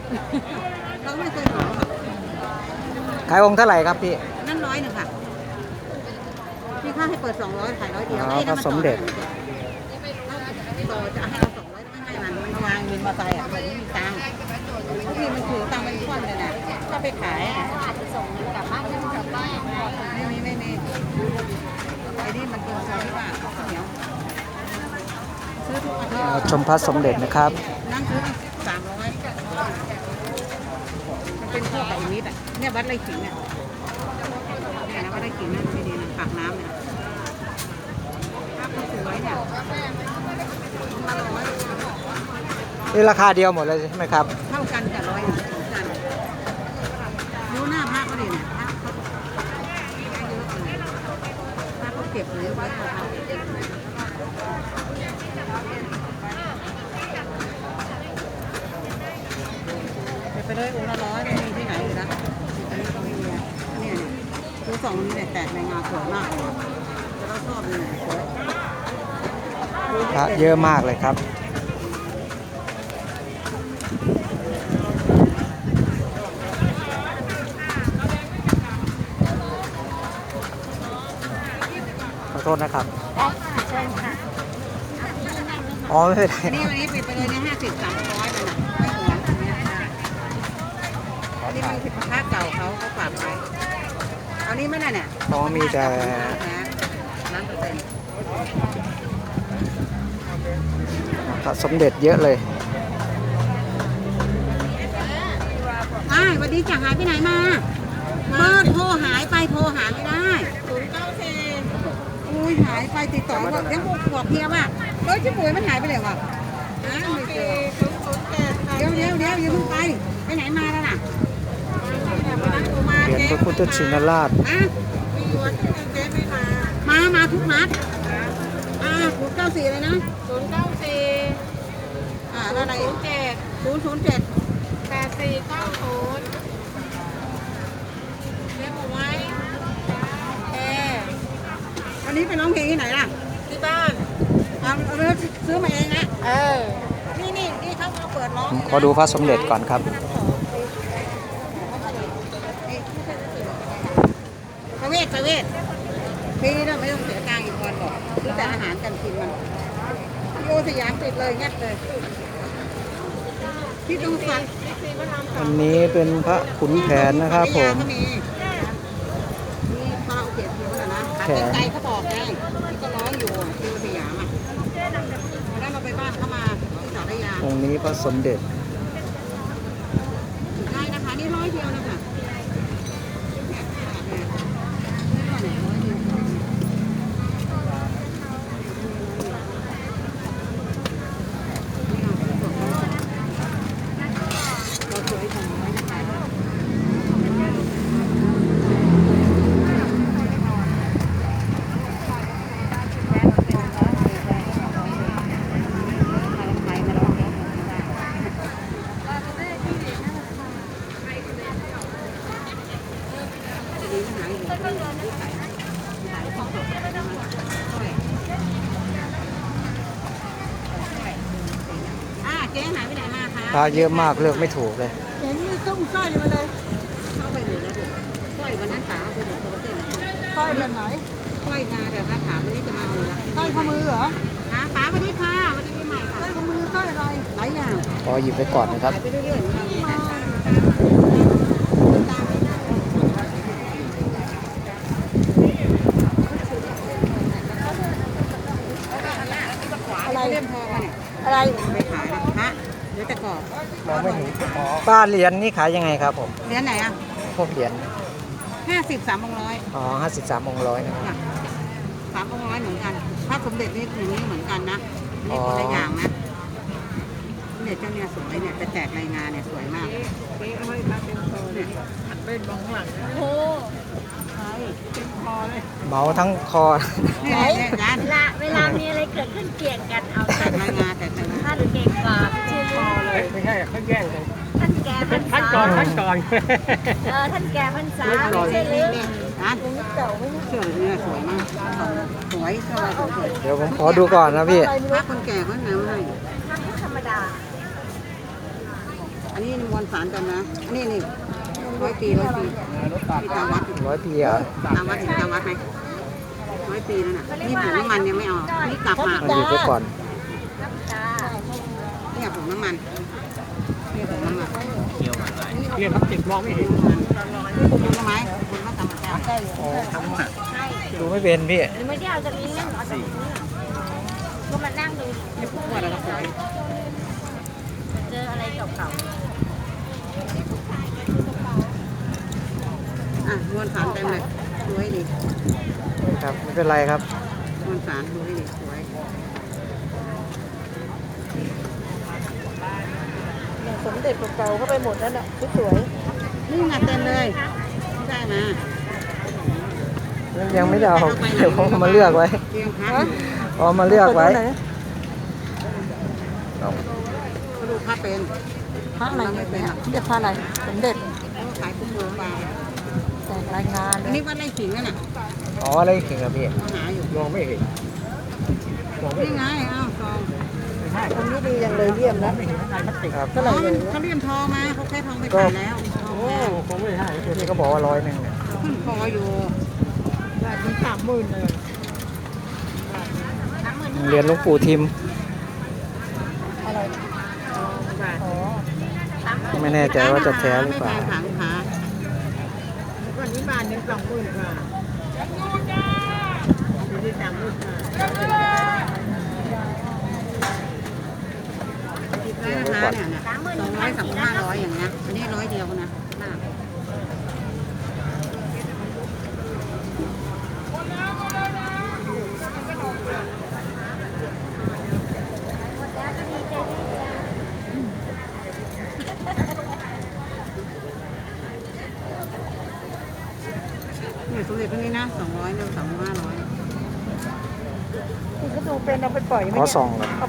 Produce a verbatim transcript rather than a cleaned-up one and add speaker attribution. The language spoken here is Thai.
Speaker 1: เขาไม่เคยขอ
Speaker 2: ขายองค์เท่าไหร่ครับพี่
Speaker 1: นั่นร้อยหนึ่งค่ะพี่ค่าให้เปิดสองร้อยขายร้อยเดียว
Speaker 2: อ๋อพระสมเด็จ
Speaker 1: ต่อจะให้เราสองร้อยไม่ให้มันมันมาวางเงินมาใส่อ่ะไม่มีตังค์บางทีมันถือตังค์เป็นก้อนเลยนะถ้าไปขายอ่ะส่งกลับบ้านก็กลับบ้านไม่มีไม่มีไอ้นี่มันเป็นซอยที่ว่าข้าวเหนียวซื้อทุกอาทิตย์
Speaker 2: ชมพระสมเด็จนะครับ
Speaker 1: นั่งซื้อสามร้อยมันเป็นพวกกับอีมิดอ่ะเนี่ยวัดไรขิงเนี่ยเนี่ยนะวัดไรขิงนั่นไม่ดีนะปากน้ำเนี่ยภาพสวยเนี่ย
Speaker 2: นี่ราคาเดียวหมดเลยใช่ไหมครับ
Speaker 1: เท่ากันกับร้อยเหมือนกันดูหน้าพระก็ดีเนี่ยพระเขาเยอะเลยพระเขาเก็บเลยไว้ของเขาไปเลยองค์ละร้อยไม่มีที่ไหนเลยนะอันนี้เขาไม่มีเนี่ยเนี่ยดูสองนี้เนี่ยแตกในงานสวยมากเลยแต่เราชอบเลยสวย
Speaker 2: พระเยอะมากเลยครับขอโทษนะครับ
Speaker 1: ได้ค่ะเชิญค่ะ
Speaker 2: อ๋อไม่เป็นไร
Speaker 1: นี่วันนี้ปิดไปเลยนะห้าสิบสามร้อยเลยนะไม่หวงอันนี้อันนี้มันผิดพระเก่าเขาเขาฝากไว้อันนี้ไม่ได้เนี่ย
Speaker 2: อ๋อมีแต่
Speaker 1: ร้านเปอร์เซ็นต์
Speaker 2: พระสมเด็จเยอะเลย
Speaker 1: อ้าววันนี้จะหายไปไหนมาเบอร์โทรหายไปโทรหาไม่ได้ศูนย์เก้าสี่อุ้ยหายไปติดต่อบอกยังบอกเพียว่าเฮ้ยชิบุ๋ยมันหายไปเลยว่ะเดี๋ยวเดี๋ยวเดี๋ยวอย่าเพิ่งไปไปไหนมาแล้วน่ะ
Speaker 2: เหรียญพระพุทธชินราช
Speaker 1: มามาทุกนัดอ่าศูนย์เก้าสี่เลยนะศูนย์เก้าสี่อ่าอะไรศูนย์เจ็ดศูนย์ศูนย์เจ็ดแปดสี่เก้าศูนย์เรียกผมไว้เอวันนี้ไปร้องเพลงที่ไหนล่ะที่บ้านเอาเรือซื้อมาเองนะเออนี่นี่นี่เขามาเปิดร้อง
Speaker 2: ขอดูพระสมเด็จก่อนครับ
Speaker 1: ประเวทประเวทพี่นี่เราไม่ต้องเสียตังค์อีกวันหรอกซื้อแต่อาหารกันกินมันโยสยามติดเลยงัดเลยที่ต้องฟัง
Speaker 2: อันนี้เป็นพระขุนแผนนะครับผม
Speaker 1: มีพระอุเทศอยู่นะขาไกลเขาบอกไงที่ก็ร้องอยู่ที่สยามอ่ะแล้วเราไปบ้านเขามาที่สารยา
Speaker 2: องค์นี้พระสมเด็จ
Speaker 1: ได้นะคะนี่ร้อยเดียวนะคะ
Speaker 2: พระเยอะมากเลือกไม่ถูกเลย
Speaker 1: เห็นมีตุ้งสร้อยมาเลยเข้าไปหมดแล้วสร้อยวันนั้นขาไปหมดตัวเต้นสร้อยแบบไหนสร้อยงาแต่ถ้าถามวันนี้จะมาเอาละสร้อยข้อมือเหรอหาป๋าวันนี้ค่ะวันนี้ปีใหม่ค่ะสร้อยข้อมือสร้อยอะไรหลายอย่าง
Speaker 2: ขอหยิบไปก่อนนะครับ
Speaker 1: ไปเรื่อยๆอะไรเล่มทองเนี่ยอะไรไปขายนะฮะเดี๋ยวแต่กอบ
Speaker 2: มองไม่เห็นป้าเหรียญนี่ขายยังไงครับผม
Speaker 1: เหรียญไหนอ่ะ
Speaker 2: พวกเหรียญ
Speaker 1: ห้าสิบสามองร้อย
Speaker 2: อ๋อห้าสิบสามองร้อยนะครับ
Speaker 1: สามองร้อยเหมือนกันพระสมเด็จนี่อย่างนี้เหมือนกันนะนี่คนละอย่างนะเนี่ยเจ้าเนี่ยสวยเนี่ยจะแจกรายงานเนี่ยสวยมากนี่เอาไว้มาเป็นโซเนี่ยเป็นมองหลังโอ้ใช่เป็นคอเลย
Speaker 2: เมาทั้งคอ
Speaker 1: ไหน
Speaker 3: ละเวลามีอะไรเกิดขึ้นเกี่ยงกันเอา
Speaker 1: แจกรายงานแต่
Speaker 3: ท่านเก่งกว่าไม่ใช่คอเลย
Speaker 4: ไม่ใช่เขาแย่งกัน
Speaker 3: ท่านแก่พันษา
Speaker 4: ท่านก่อนท่านก่อน
Speaker 3: เออท่านแก่พันษาไม่ใช่เรื่อง
Speaker 1: นะตรงนี้เก่าไม่ใช่สวยเนี่ยสวยมากสวยสวย
Speaker 2: เดี๋ยวผมขอดูก่อนนะพี่
Speaker 1: พระคนแก่เขาแนวให้
Speaker 3: ธรรมดา
Speaker 1: อันนี้มวลสารกันนะอันนี้นี่ร้อยปีร้อยปีที่ตาวัด
Speaker 2: ร้อยปีเหรอ
Speaker 1: ตาวัดถึงตาวัดไหมร้อยปีแล้วน่ะนี่ผงน้ำมันยังไม่เอานี่กลับมา
Speaker 2: เอาหยิบไว้ก่อน
Speaker 3: จ้า
Speaker 1: เนี่ยผงน้ำมันเนี่ยผงน้ำมัน
Speaker 4: เรียนพลาสติกมองไม่เห็น
Speaker 1: นี่ผงน้ำมันคุณก็ทำมาแล้ว
Speaker 3: ใช่
Speaker 2: ดูไม่เป็นพี่
Speaker 3: หรือไม่ได้เอาจากนี้เอาจากนี้ก็มานั่งดู
Speaker 1: นี่พวกอะไรก็ปล่อย
Speaker 3: เจออะไรเก่า
Speaker 1: อ่ะมวลสารเต็มเลยสวยดี
Speaker 2: ครับไม่เป็นไรครับ
Speaker 1: มวลสารดูให้ดีสวย
Speaker 5: สมเด็จเก่าๆเข้าไปหมดนั่นแหละสวย
Speaker 1: นี่ไงเต็มเลยได้มา
Speaker 2: ยังไม่ได้เอาเดี๋ยวผมเอามาเลือกไว้
Speaker 1: เพียงพัก
Speaker 2: เอามา
Speaker 5: ๆ
Speaker 2: เลือกไว้
Speaker 5: ไหน
Speaker 2: เอา
Speaker 1: เขาดูพระเป็น
Speaker 5: พระอะไรเนี่ยเรียกพระอะไรสมเด็จ
Speaker 1: เขาขายกุ้งโลบา
Speaker 5: แจกรายงานเล
Speaker 1: อัน
Speaker 5: ย
Speaker 1: นี้วัดไร่ขิงนั่นน่ะ
Speaker 2: อ๋ออะไรถึงครับพี่
Speaker 1: เขาหาอยู่
Speaker 4: มองไม่เห็นมองไม่
Speaker 1: นี่
Speaker 4: เห็น
Speaker 1: ไงอ้าวซอง
Speaker 5: ตรงนี้ดีอย่างเลยเยี่ยมนะ
Speaker 4: ไม่เห็นข้างในพลาสติก
Speaker 2: ครับ
Speaker 5: เท่าไหร่
Speaker 1: อ๋อ
Speaker 5: เลย
Speaker 1: เขาเลี่ยมทองมาเขาแค่ทองไปขายแล้วทอง
Speaker 4: โอ้
Speaker 1: แพง
Speaker 4: คงไม่ใช่
Speaker 2: พี่ก็บอกว่าร้อยหนึ่งเนี่ย
Speaker 1: ขึ้นคออยู่
Speaker 5: ได้ถึงสามหมื่นเลย
Speaker 2: เหรียญหลวงปู่ทิม
Speaker 5: อะไรอ๋อ
Speaker 2: ไม่แน่ใจว่าจะแท้หรือเปล่า
Speaker 1: ไม่แพงค่ะลูกค้า
Speaker 5: วันนี้บานยังสองหมื่นกว่าอยู่ที่สามหมื่นกว่า
Speaker 1: ได้นะคะเนี่ยเนี่ยสองร้อยสามห้าร้อยอย่างเงี้ยอันนี้ร้อยเดียวนะหน้า เนี่ยสมเด็จพวกนี้นะสองร้อยหนึ่งสองห้าร้อย
Speaker 5: คุณก็ดูเป็นเอาไปปล่อยไหม
Speaker 2: ขอ
Speaker 5: เนี่ย
Speaker 2: ส่องก่อน
Speaker 5: เอา